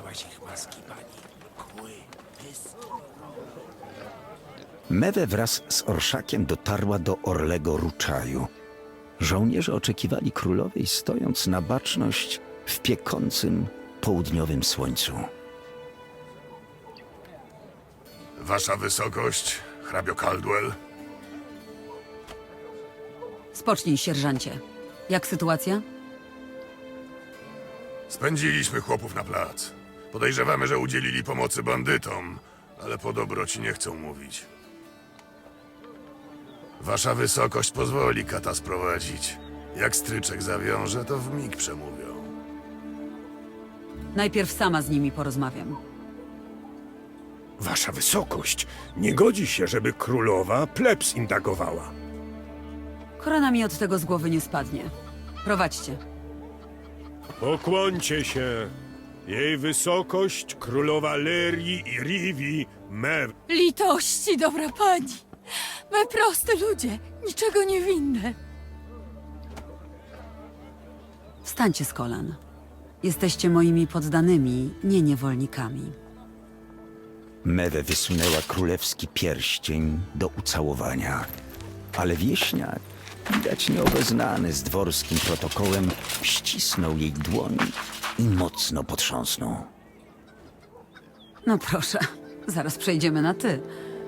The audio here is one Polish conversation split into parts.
Złaś ich maski, pani. Kły, pysk. Mewe wraz z orszakiem dotarła do Orlego Ruczaju. Żołnierze oczekiwali królowej, stojąc na baczność w piekącym południowym słońcu. Wasza wysokość, hrabio Caldwell? Spocznij, sierżancie. Jak sytuacja? Spędziliśmy chłopów na plac. Podejrzewamy, że udzielili pomocy bandytom, ale po dobroci nie chcą mówić. Wasza wysokość pozwoli kata sprowadzić. Jak stryczek zawiąże, to wmig przemówią. Najpierw sama z nimi porozmawiam. Wasza wysokość, nie godzi się, żeby królowa plebs indagowała. Korona mi od tego z głowy nie spadnie. Prowadźcie. Pokłońcie się. Jej wysokość, królowa Lerii i Rivi, Mew. Litości, dobra pani. My proste ludzie, niczego niewinne. Wstańcie z kolan. Jesteście moimi poddanymi, nie niewolnikami. Mewe wysunęła królewski pierścień do ucałowania, ale wieśniak, widać nieobeznany z dworskim protokołem, ścisnął jej dłoń i mocno potrząsnął. No proszę, zaraz przejdziemy na ty.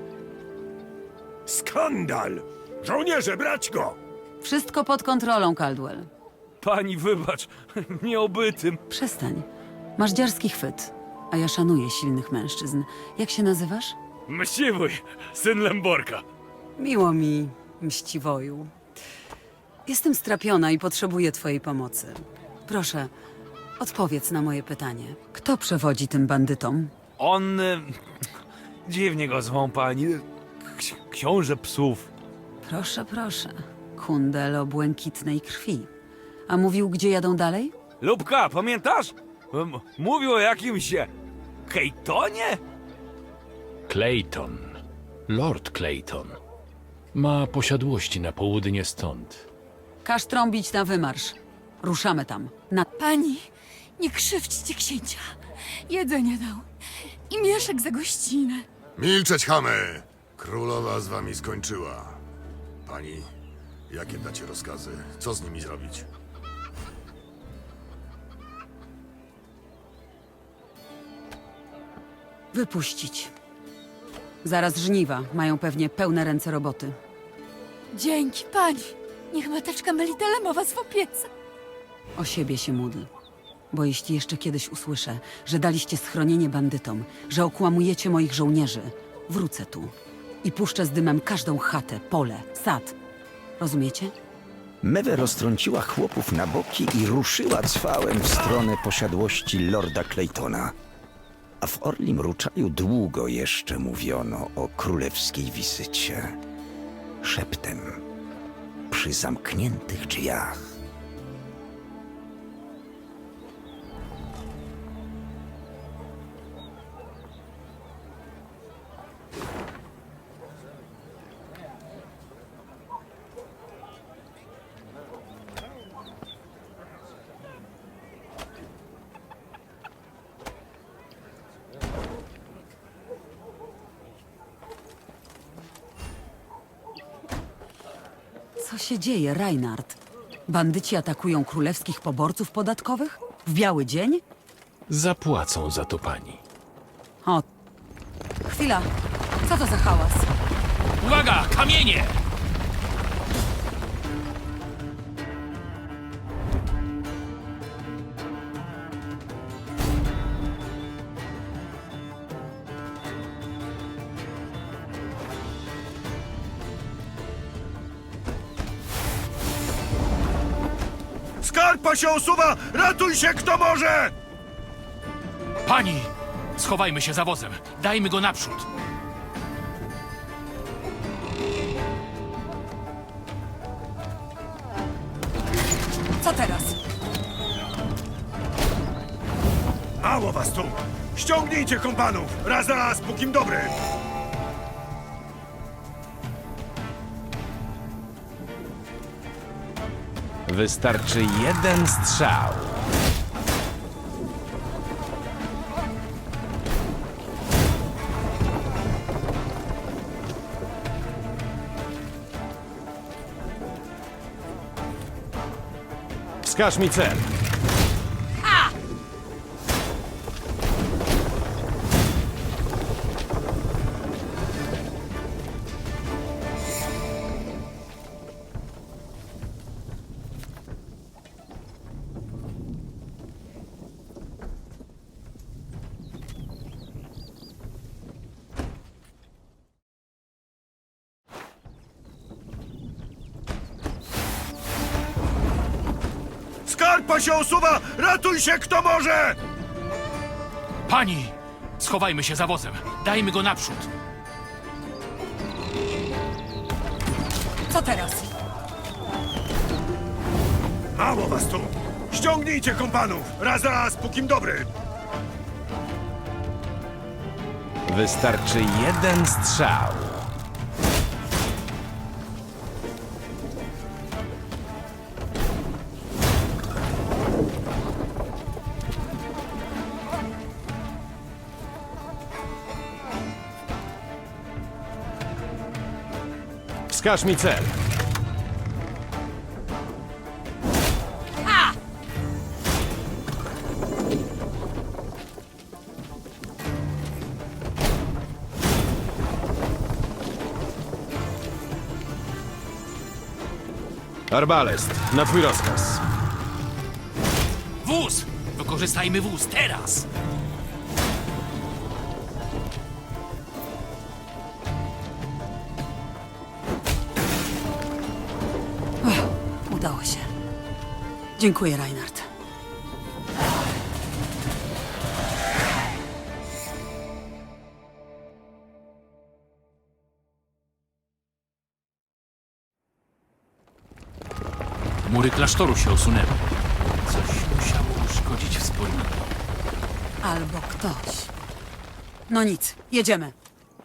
Skandal! Żołnierze, brać go! Wszystko pod kontrolą, Caldwell. Pani wybacz, nieobytym. Przestań. Masz dziarski chwyt, a ja szanuję silnych mężczyzn. Jak się nazywasz? Mściwój, syn Lemborka. Miło mi, mściwoju. Jestem strapiona i potrzebuję twojej pomocy. Proszę, odpowiedz na moje pytanie. Kto przewodzi tym bandytom? On... dziwnie go zwą pani. Książę psów. Proszę, proszę. Kundel o błękitnej krwi. A mówił, gdzie jadą dalej? Lubka, pamiętasz? Mówił o jakimś... Kejtonie? Clayton. Lord Clayton. Ma posiadłości na południe stąd. Każ trąbić na wymarsz. Ruszamy tam. Na... Pani, nie krzywdźcie księcia. Jedzenie dał. I mieszek za gościnę. Milczeć, chamy! Królowa z wami skończyła. Pani, jakie dacie rozkazy? Co z nimi zrobić? Wypuścić. Zaraz żniwa. Mają pewnie pełne ręce roboty. Dzięki pani. Niech mateczka Melitele was w opiece. O siebie się módl. Bo jeśli jeszcze kiedyś usłyszę, że daliście schronienie bandytom, że okłamujecie moich żołnierzy, wrócę tu i puszczę z dymem każdą chatę, pole, sad. Rozumiecie? Mewe roztrąciła chłopów na boki i ruszyła cwałem w stronę posiadłości lorda Claytona. A w Orlim Ruczaju długo jeszcze mówiono o królewskiej wizycie. Szeptem, przy zamkniętych drzwiach. Co się dzieje, Reinhard? Bandyci atakują królewskich poborców podatkowych? W biały dzień? Zapłacą za to pani. O, chwila. Co to za hałas? Uwaga, kamienie! Skarpa się osuwa! Ratuj się, kto może! Pani! Schowajmy się za wozem. Dajmy go naprzód. Co teraz? Mało was tu! Ściągnijcie kompanów! Raz, pókim dobry! Wystarczy jeden strzał. Wskaż mi cel. Skarpa się osuwa! Ratuj się, kto może! Pani! Schowajmy się za wozem. Dajmy go naprzód. Co teraz? Mało was tu! Ściągnijcie kompanów! Raz, pókim dobry! Wystarczy jeden strzał. Wskaż mi cel. Arbalest, na twój rozkaz. Wóz! Wykorzystajmy wóz teraz! Udało się. Dziękuję, Reinhard. Mury klasztoru się osunęły. Coś musiało uszkodzić wspólnotę. Albo ktoś. No nic, jedziemy.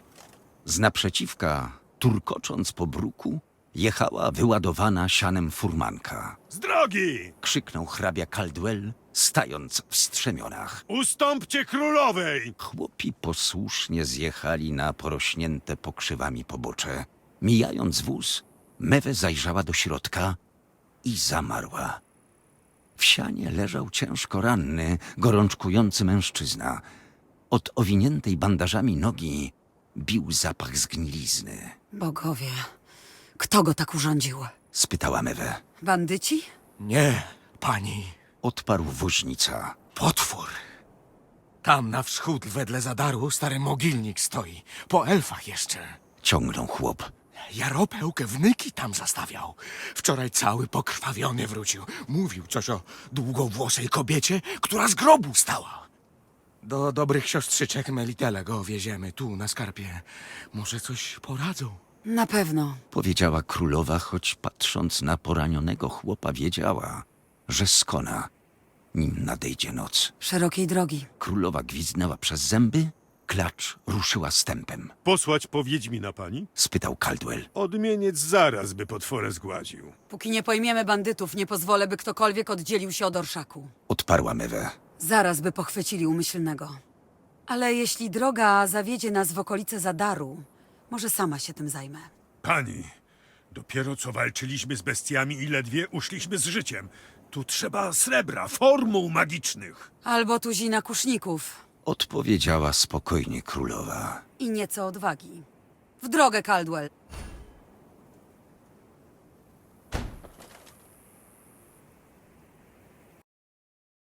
Z naprzeciwka, turkocząc po bruku, jechała wyładowana sianem furmanka. Z drogi! Krzyknął hrabia Caldwell, stając w strzemionach. Ustąpcie królowej! Chłopi posłusznie zjechali na porośnięte pokrzywami pobocze. Mijając wóz, Mewe zajrzała do środka i zamarła. W sianie leżał ciężko ranny, gorączkujący mężczyzna. Od owiniętej bandażami nogi bił zapach zgnilizny. Bogowie, kto go tak urządził? Spytała Mewe. Bandyci? Nie, pani. Odparł woźnica. Potwór. Tam na wschód wedle Zadaru stary mogilnik stoi. Po elfach jeszcze. Ciągnął chłop. Jaropełkę wnyki tam zastawiał. Wczoraj cały pokrwawiony wrócił. Mówił coś o długowłosej kobiecie, która z grobu stała. Do dobrych siostrzyczek Melitele go wieziemy tu na skarpie. Może coś poradzą. Na pewno. Powiedziała królowa, choć patrząc na poranionego chłopa wiedziała, że skona, nim nadejdzie noc. Szerokiej drogi. Królowa gwizdnęła przez zęby, klacz ruszyła stępem. Posłać po Wiedźmina pani? Spytał Caldwell. Odmieniec zaraz by potworę zgładził. Póki nie pojmiemy bandytów, nie pozwolę, by ktokolwiek oddzielił się od orszaku. Odparła Mewe. Zaraz by pochwycili umyślnego. Ale jeśli droga zawiedzie nas w okolice Zadaru, może sama się tym zajmę. Pani, dopiero co walczyliśmy z bestiami i ledwie uszliśmy z życiem. Tu trzeba srebra, formuł magicznych. Albo tuzina kuszników Odpowiedziała spokojnie królowa. i nieco odwagi. W drogę, Caldwell.